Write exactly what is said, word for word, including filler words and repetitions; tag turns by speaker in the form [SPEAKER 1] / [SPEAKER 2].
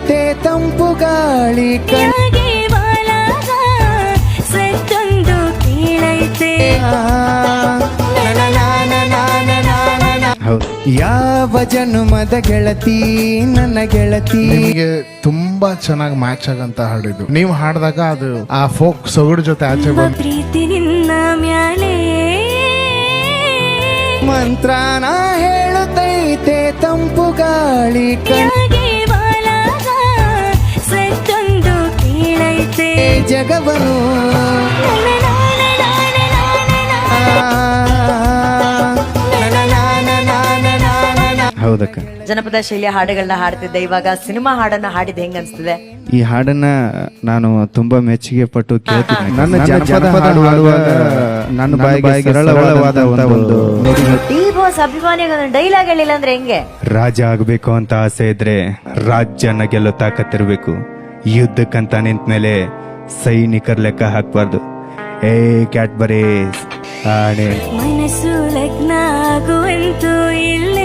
[SPEAKER 1] ಕೇಳುತ್ತೈತೆ ತಂಪು ಗಾಳಿ
[SPEAKER 2] ಯಾಗೆ ಬಾಳಾಗ ಸತ್ತೊಂದು ಕೇಳೈತೆ
[SPEAKER 1] ಯಾವ ಜನುಮದ ಗೆಳತಿ ನನ್ನ ಗೆಳತಿ.
[SPEAKER 3] ನಿಮಗೆ ತುಂಬಾ ಚೆನ್ನಾಗಿ ಮ್ಯಾಚ್ ಆಗಂತ ಹಾಡಿದ್ದು ನೀವು ಹಾಡಿದಾಗ ಅದು ಆ ಫೋಕ್ ಸೊಗಡು ಜೊತೆ ಆಚೆ ಬಂದು
[SPEAKER 2] ಪ್ರೀತಿ ನಿನ್ನ ಮ್ಯಾಲೆ
[SPEAKER 1] ಮಂತ್ರನ ಹೇಳುತ್ತೈತೆ ತಂಪು ಗಾಳಿ
[SPEAKER 2] ಯಾಗೆ ಬಾಳಾಗ ಸತ್ತೊಂದು ಕೇಳೈತೆ
[SPEAKER 1] ಜಗವನು
[SPEAKER 4] ಹೌದಕ್ಕ.
[SPEAKER 5] ಜನಪದ ಶೈಲಿಯ ಹಾಡುಗಳನ್ನ ಹಾಡ್ತಿದ್ದೆ, ಇವಾಗ ಸಿನಿಮಾ ಹಾಡನ್ನ ಹಾಡಿದ ಹೆಂಗ ಅನ್ಸ್ತಿದೆ?
[SPEAKER 4] ಈ ಹಾಡನ್ನ ನಾನು ತುಂಬಾ ಮೆಚ್ಚುಗೆ ಪಟ್ಟು ಕೇಳ್ತೀನಿ.
[SPEAKER 3] ನನ್ನ ಜನಪದ ಹಾಡು ಹಾಡುವಾಗ
[SPEAKER 4] ನನ್ನ ಬಾಯಿಗೆ ಸರಳವಾದ ಒಂದು
[SPEAKER 5] ಡಿ ಬಾಸ್ ಅಭಿಮಾನಿಗಳ ಡೈಲಾಗ್ ಹೇಳಿಲ್ಲ ಅಂದ್ರೆ ಹೆಂಗೆ?
[SPEAKER 4] ರಾಜ ಆಗ್ಬೇಕು ಅಂತ ಆಸೆ ಇದ್ರೆ ರಾಜ್ಯನ ಗೆಲ್ಲೋ ತಾಕತ್ತಿರ್ಬೇಕು. ಯುದ್ಧಕ್ಕಂತ ನಿಂತ ಮೇಲೆ ಸೈನಿಕರ ಲೆಕ್ಕ ಹಾಕ್ಬಾರ್ದು. ಏ ಕ್ಯಾಟ್ ಬರೀ ಆಣೆ
[SPEAKER 2] ಮನಸ್ಸು ಲಗ್ನ ಆಗುವಂತೂ ಇಲ್ಲ